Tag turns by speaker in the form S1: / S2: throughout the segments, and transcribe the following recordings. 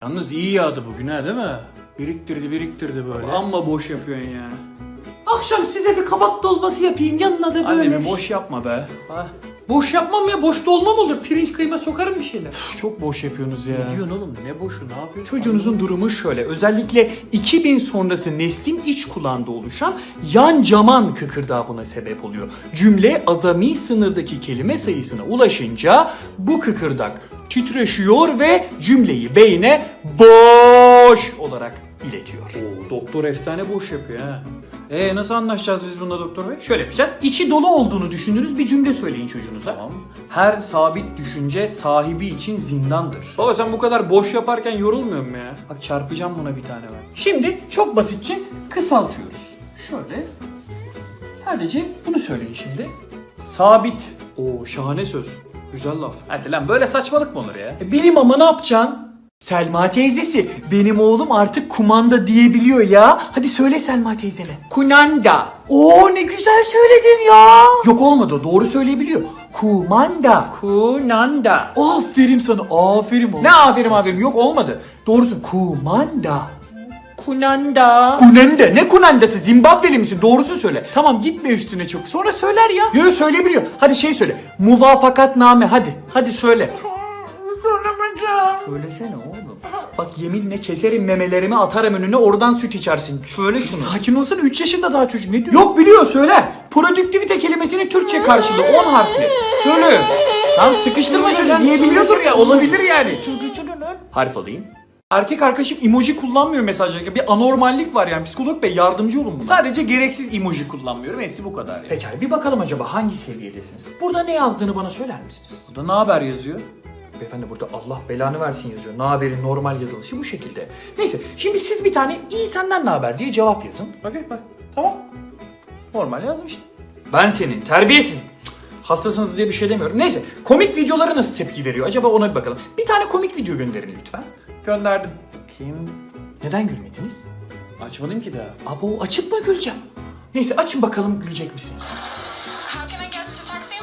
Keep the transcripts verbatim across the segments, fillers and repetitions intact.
S1: Yalnız iyi yağdı bugün ha, değil mi? Biriktirdi biriktirdi böyle.
S2: Amma boş yapıyorsun ya.
S1: Akşam size bir kabak dolması yapayım, yanına da böyle.
S2: Annemi boş yapma be.
S1: Ha,
S2: Boş yapmam ya, boş dolma mı olur? Pirinç kıyma sokarım bir şeyler.
S1: çok boş yapıyorsunuz ya.
S2: Ne diyorsun oğlum? Ne boşu, ne yapıyorsun?
S1: Çocuğunuzun durumu şöyle. Özellikle iki bin sonrası neslin iç kulağında oluşan yan caman kıkırdağı buna sebep oluyor. Cümle azami sınırdaki kelime sayısına ulaşınca bu kıkırdak titreşiyor ve cümleyi beyne boş olarak iletiyor.
S2: Oo, doktor efsane boş yapıyor ha. Ee nasıl anlaşacağız biz bununla doktor bey?
S1: Şöyle yapacağız. İçi dolu olduğunu düşündüğünüz bir cümle söyleyin çocuğunuza.
S2: Tamam.
S1: Her sabit düşünce sahibi için zindandır.
S2: Baba sen bu kadar boş yaparken yorulmuyor musun ya? Bak çarpacağım buna bir tane ben.
S1: Şimdi çok basitçe kısaltıyoruz. Şöyle. Sadece bunu söyleyin şimdi. Sabit.
S2: Oo şahane söz. Güzel laf. Hadi lan böyle saçmalık mı olur ya?
S1: E, bilim ama ne yapacaksın? Selma teyzesi, benim oğlum artık kumanda diyebiliyor ya. Hadi söyle Selma teyzene. Kunanda. Oo ne güzel söyledin ya. Yok olmadı, doğru söyleyebiliyor. Kumanda.
S2: Kunanda.
S1: Aferin sana, aferin oğlum.
S2: Ne aferin aferin, yok olmadı.
S1: Doğrusu kumanda.
S2: Kunanda.
S1: Kunanda. Ne kunandası? Zimbabweli misin? Doğrusunu söyle. Tamam gitme üstüne çok. Sonra söyler ya. Yo söyleyebiliyor. Hadi şey söyle. Muvafakatname hadi. Hadi söyle.
S2: Söylemeyeceğim.
S1: Söylesene oğlum. Bak yeminle keserim memelerimi, atarım önüne, oradan süt içersin. Söyle şunu. Sakin olsana, üç yaşında daha çocuk, ne diyor? Yok biliyor, söyler. Produktivite kelimesinin Türkçe karşılığı on harfli. Söyle. Lan sıkıştırma çocuğu, diyebiliyordur ya, olabilir yani. Harf alayım.
S2: Erkek arkadaşım emoji kullanmıyor mesajlarında. Bir anormallik var yani. Psikolog bey yardımcı olun buna.
S1: Sadece gereksiz emoji kullanmıyorum, hepsi bu kadar yani. Pekala bir bakalım acaba hangi seviyedesiniz? Burada ne yazdığını bana söyler misiniz?
S2: Burada ne haber yazıyor?
S1: Beyefendi burada Allah belanı versin yazıyor. Ne haberin normal yazılışı bu şekilde. Neyse şimdi siz bir tane iyi senden ne haber diye cevap yazın.
S2: Okey bak. Tamam. Normal yazmış.
S1: Ben senin terbiyesiz cık, hastasınız diye bir şey demiyorum. Neyse komik videolara nasıl tepki veriyor acaba, ona bir bakalım. Bir tane komik video gönderin lütfen.
S2: Gönderdim.
S1: Kim? Neden gülmediniz?
S2: Açmadım ki daha.
S1: Abo açıp mı güleceğim? Neyse açın bakalım gülecek misiniz?
S3: How can I get to taxi?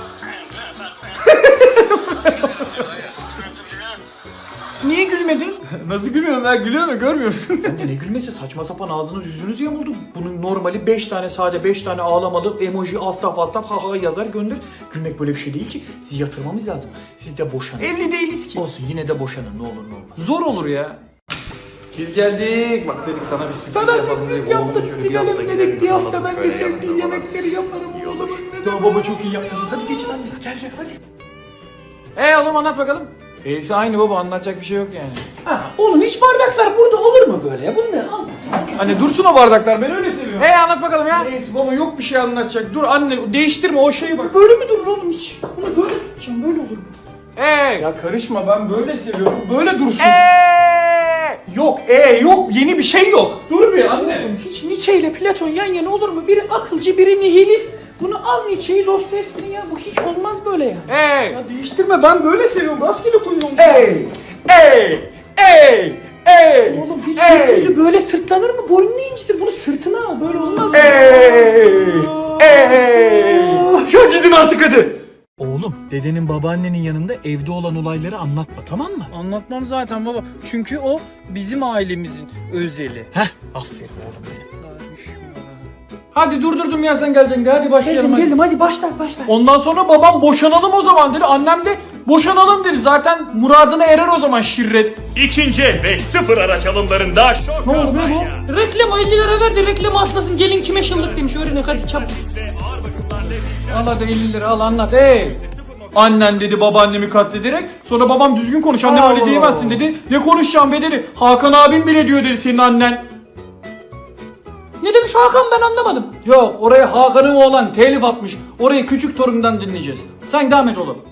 S1: Niye gülmedin?
S2: Nasıl gülmüyorum ben? Gülüyor mu? Görmüyor musun?
S1: Anne ne gülmesi, saçma sapan ağzınız yüzünüz yamuldu. Bunun normali beş tane sade, beş tane ağlamalı emoji, astaf astaf ha ha yazar gönder. Gülmek böyle bir şey değil ki. Sizi yatırmamız lazım. Siz de boşanın.
S2: Evli değiliz ki.
S1: Olsun yine de boşanın, ne olur ne olmaz.
S2: Zor olur ya. Biz geldik. Bak dedik sana bir sürpriz
S1: Sana
S2: yapalım
S1: sürpriz
S2: dedik.
S1: yaptık,
S2: Oğlum şöyle
S1: gidelim dedik. Bir hafta
S2: kalalım,
S1: ben de
S2: şöyle
S1: sevdiği
S2: yapalım.
S1: yemekleri yaparım.
S2: İyi olur.
S1: Tamam baba çok iyi yapmışsınız. Hadi geçin anne. Gel gel hadi.
S2: Eee oğlum anlat bakalım. E'si aynı baba, anlatacak bir şey yok yani.
S1: Ha, oğlum hiç bardaklar burada olur mu böyle ya? Bunları al.
S2: Anne dursun o bardaklar, ben öyle seviyorum. Eee anlat bakalım ya. E'si baba yok bir şey anlatacak. Dur anne değiştirme o şeyi bak.
S1: Böyle mi durur oğlum hiç? Bunu böyle tutacağım, böyle olur mu?
S2: Eee. Ya karışma, ben böyle seviyorum. Böyle dursun. Eee. Yok e yok, yeni bir şey yok. Dur bir anne.
S1: Oğlum hiç Nietzsche ile Platon yan yana olur mu? Biri akılcı, biri nihilist. Bunu al Nietzsche'yi, Dostoyevski'ni ya. Bu hiç olmaz böyle ya.
S2: Eee. Ya değiştirme, ben böyle seviyorum. Rastgele koyuyorum.
S1: Ey!
S2: Ey! Ey! Ey!
S1: Oğlum hiç
S2: Ey!
S1: gökyüzü böyle sırtlanır mı? Boynunu incitir. Bunu sırtına al. Böyle olmaz mı?
S2: Ey! Ey! Ya gidin artık hadi.
S1: Oğlum dedenin babaannenin yanında evde olan olayları anlatma, tamam mı?
S2: Anlatmam zaten baba. Çünkü o bizim ailemizin özeli.
S1: Heh aferin oğlum benim.
S2: Hadi durdurdum ya, sen geleceksin. Hadi başlayalım.
S1: Geldim
S2: hadi.
S1: geldim hadi başla başla.
S2: Ondan sonra babam boşanalım o zaman dedi. Annem de boşanalım dedi. Zaten muradına erer o zaman şirret.
S4: İkinci el ve sıfır araç alımlarında şok
S2: Ne oldu be
S4: kampanya.
S2: bu?
S5: Reklam elli lira verdi, reklamı atlasın, gelin kime şıllık demiş, öğrenin hadi çabuk.
S2: Al hadi elli lira al, anlat. Ey! Annen dedi babaannemi kastederek. Sonra babam düzgün konuş, annem öyle
S1: Allah.
S2: diyemezsin dedi. Ne konuşacağım be dedi. Hakan abim bile diyor dedi senin annen.
S5: Ne demiş Hakan, ben anlamadım.
S2: Yok, oraya Hakan'ın oğlan telif atmış. Orayı küçük torundan dinleyeceğiz. Sen devam et oğlum.